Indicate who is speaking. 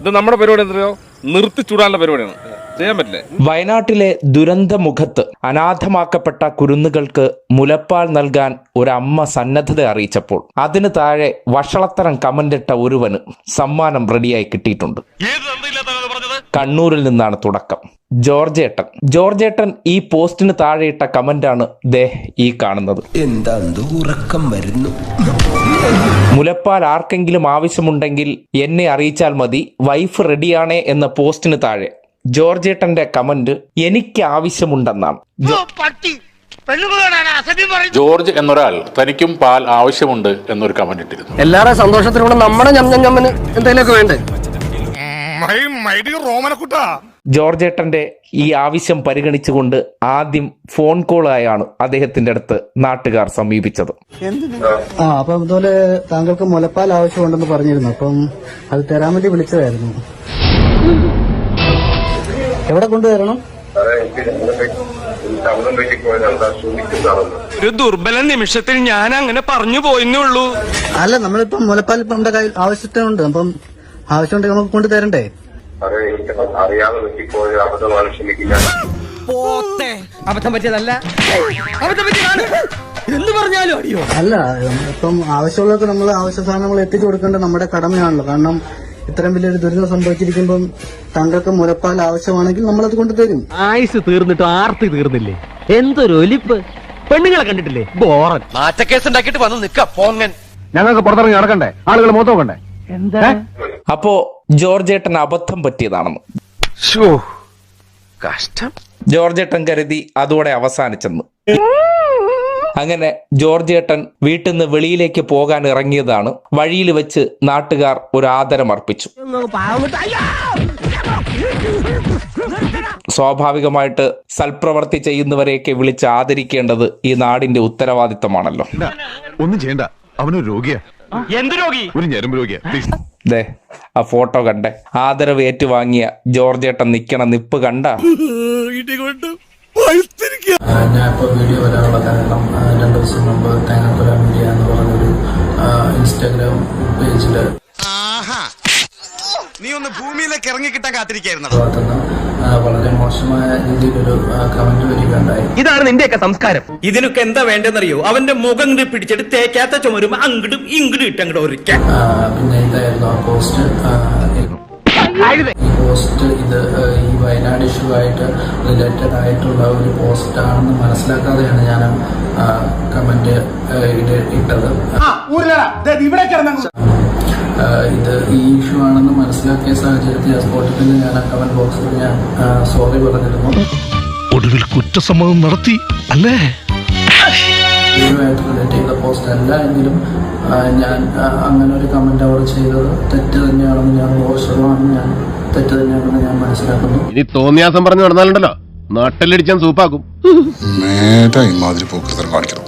Speaker 1: ഇത് നമ്മുടെ പരിപാടി എന്തോ നിർത്തി ചൂടാനുള്ള പരിപാടിയാണ്, ചെയ്യാൻ പറ്റില്ലേ?
Speaker 2: വയനാട്ടിലെ ദുരന്തമുഖത്ത് അനാഥമാക്കപ്പെട്ട കുരുന്നുകൾക്ക് മുലപ്പാൽ നൽകാൻ ഒരമ്മ സന്നദ്ധത അറിയിച്ചപ്പോൾ അതിന് താഴെ വഷളത്തരം കമന്റിട്ട ഒരുവന് സമ്മാനം റെഡിയായി കിട്ടിയിട്ടുണ്ട്. കണ്ണൂരിൽ നിന്നാണ് തുടക്കം. ജോർജേട്ടൻ ഈ പോസ്റ്റിന് താഴെയിട്ട കമന്റാണ് ദേ ഈ കാണുന്നത്.
Speaker 3: ഉറക്കം വരുന്നു.
Speaker 2: മുലപ്പാൽ ആർക്കെങ്കിലും ആവശ്യമുണ്ടെങ്കിൽ എന്നെ അറിയിച്ചാൽ മതി, വൈഫ് റെഡിയാണേ എന്ന പോസ്റ്റിന് താഴെ ജോർജേട്ടന്റെ കമന്റ് എനിക്ക് ആവശ്യമുണ്ടെന്നാണ്.
Speaker 4: ജോർജ് എന്നൊരാൾ തനിക്കും പാൽ ആവശ്യമുണ്ട് എന്നൊരു കമന്റ് ഇട്ടിരുന്നു.
Speaker 3: എല്ലാവരുടെ സന്തോഷത്തിലൂടെ നമ്മുടെ ഞമ്മന് എന്തെങ്കിലുമൊക്കെ വേണ്ടേ?
Speaker 2: ജോർജേട്ടന്റെ ഈ ആവശ്യം പരിഗണിച്ചുകൊണ്ട് ആദ്യം ഫോൺ കോളായാണ് അദ്ദേഹത്തിന്റെ അടുത്ത് നാട്ടുകാർ സമീപിച്ചത്.
Speaker 5: അപ്പം അതുപോലെ താങ്കൾക്ക് മുലപ്പാൽ ആവശ്യമുണ്ടെന്ന് പറഞ്ഞിരുന്നു, അപ്പം അത് തരാൻ വേണ്ടി വിളിച്ചതായിരുന്നു. എവിടെ കൊണ്ടുവരണം?
Speaker 6: ഒരു ദുർബല നിമിഷത്തിൽ ഞാൻ അങ്ങനെ പറഞ്ഞു പോയെന്നുള്ളൂ.
Speaker 5: അല്ല, നമ്മളിപ്പം മുലപ്പാൽ ഇപ്പം നമ്മുടെ കയ്യിൽ ആവശ്യത്തിനുണ്ട്, അപ്പം ആവശ്യമുണ്ടെങ്കിൽ നമുക്ക് കൊണ്ടു തരണ്ടേ?
Speaker 3: അബദ്ധം പറ്റിയതല്ല, എന്ന് പറഞ്ഞാലും അടിയോ.
Speaker 5: അല്ല, ഇപ്പം ആവശ്യമുള്ളവർക്ക് നമ്മൾ ആവശ്യ സാധനങ്ങൾ എത്തിച്ചു കൊടുക്കേണ്ടത് നമ്മുടെ കടമയാണല്ലോ. കാരണം ഇത്രയും വലിയൊരു ദുരിതം സംഭവിച്ചിരിക്കുമ്പം താങ്കൾക്ക് മുലപ്പാൽ ആവശ്യമാണെങ്കിൽ നമ്മളത് കൊണ്ടുതരും.
Speaker 7: ആയുസ് തീർന്നിട്ട് ആർത്തി തീർന്നില്ലേ? എന്തൊരു ഒലിപ്പ്! പെണ്ണുങ്ങളെ കണ്ടിട്ടില്ലേ? ബോറൻ
Speaker 3: മാറ്റക്കേസ് ഉണ്ടാക്കിയിട്ട് വന്ന് നിക്ക പോങ്ങൻ.
Speaker 7: ഞങ്ങൾക്ക് പുറത്തിറങ്ങി നടക്കണ്ടേ? ആളുകൾ മൊത്തം നോക്കണ്ടേ? എന്താ
Speaker 2: അപ്പോ ജോർജേട്ടൻ അബദ്ധം പറ്റിയതാണെന്ന്
Speaker 3: കഷ്ടം.
Speaker 2: ജോർജേട്ടൻ കരുതി അതോടെ അവസാനിച്ചെന്ന്. അങ്ങനെ ജോർജേട്ടൻ വീട്ടിൽ നിന്ന് വെളിയിലേക്ക് പോകാൻ ഇറങ്ങിയതാണ്. വഴിയിൽ വെച്ച് നാട്ടുകാർ ഒരു ആദരം അർപ്പിച്ചു. സ്വാഭാവികമായിട്ട് സൽപ്രവർത്തി ചെയ്യുന്നവരെയൊക്കെ വിളിച്ച് ആദരിക്കേണ്ടത് ഈ നാടിന്റെ ഉത്തരവാദിത്തമാണല്ലോ.
Speaker 8: ഒന്നും ചെയ്യണ്ട, അവനൊരു രോഗിയാ.
Speaker 6: എന്ത് രോഗി?
Speaker 8: ഒരു ഞരമ്പ് രോഗിയാ.
Speaker 2: ദേ ആ ഫോട്ടോ കണ്ടേ, ആദരവ് ഏറ്റുവാങ്ങിയ ജോർജേട്ടൻ നിക്കണ നിപ്പ് കണ്ട.
Speaker 5: ഞാനിപ്പോ വീഡിയോ വരാനുള്ള കാരണം 2 ദിവസം മുമ്പ് തേങ്ങാക്കൊല മീഡിയ എന്ന് പറഞ്ഞൊരു ഇൻസ്റ്റാഗ്രാം പേജില്
Speaker 6: നീ ഒന്ന് ഭൂമിയിലേക്ക് ഇറങ്ങി കിട്ടാൻ കാത്തിരിക്കായിരുന്നു.
Speaker 5: വളരെ മോശമായ രീതിയിലൊരു കമന്റ് വരികയുണ്ടായി.
Speaker 7: ഇതാണ് നിന്റെയൊക്കെ സംസ്കാരം.
Speaker 6: ഇതിനൊക്കെ എന്താ വേണ്ടെന്നറിയോ? അവന്റെ മുഖം പിടിച്ചിട്ട് തേക്കാത്ത ചുമരും അങ്ങടും ഇങ്ങടും ഇട്ടങ്ങോട്ട് ഒരിക്കൽ.
Speaker 5: പിന്നെ ഇതായിരുന്നു ആ പോസ്റ്റ്. ഈ പോസ്റ്റ് ഇത് ഈ വയനാട് ഇഷ്യൂ ആയിട്ട് റിലേറ്റഡ് ആയിട്ടുള്ള ഒരു പോസ്റ്റ് ആണെന്ന് മനസ്സിലാക്കാതെയാണ് ഞാൻ കമന്റ് ഇട്ടത്. ഇത് ഈ ഇഷ്യൂ ആണെന്ന് മനസ്സിലാക്കിയ സാഹചര്യത്തിൽ ആ സ്പോട്ടിൽ തന്നെ ഞാൻ ആ കമന്റ് ബോക്സിൽ ഞാൻ സോറി പറഞ്ഞിരുന്നു.
Speaker 8: ഒടുവിൽ കുറ്റസമ്മതം നടത്തി അല്ലേ?
Speaker 5: ഇതുമായിട്ട് റിലേറ്റ് ചെയ്ത പോസ്റ്റ് അല്ല എങ്കിലും ഞാൻ അങ്ങനെ ഒരു കമന്റ് അവിടെ ചെയ്തത് തെറ്റ് തന്നെയാണെന്ന് ഞാൻ 100% ഞാൻ തെറ്റ് തന്നെയാണെന്ന് ഞാൻ മനസ്സിലാക്കുന്നു.
Speaker 8: ഇനി തോന്നിയാസം പറഞ്ഞു നടന്നാലുണ്ടല്ലോ നാട്ടിലടിച്ചാൻ സൂപ്പാക്കും.
Speaker 9: നേരെ ഇമാതിരി പോക്കൃതം കാണിക്കണം.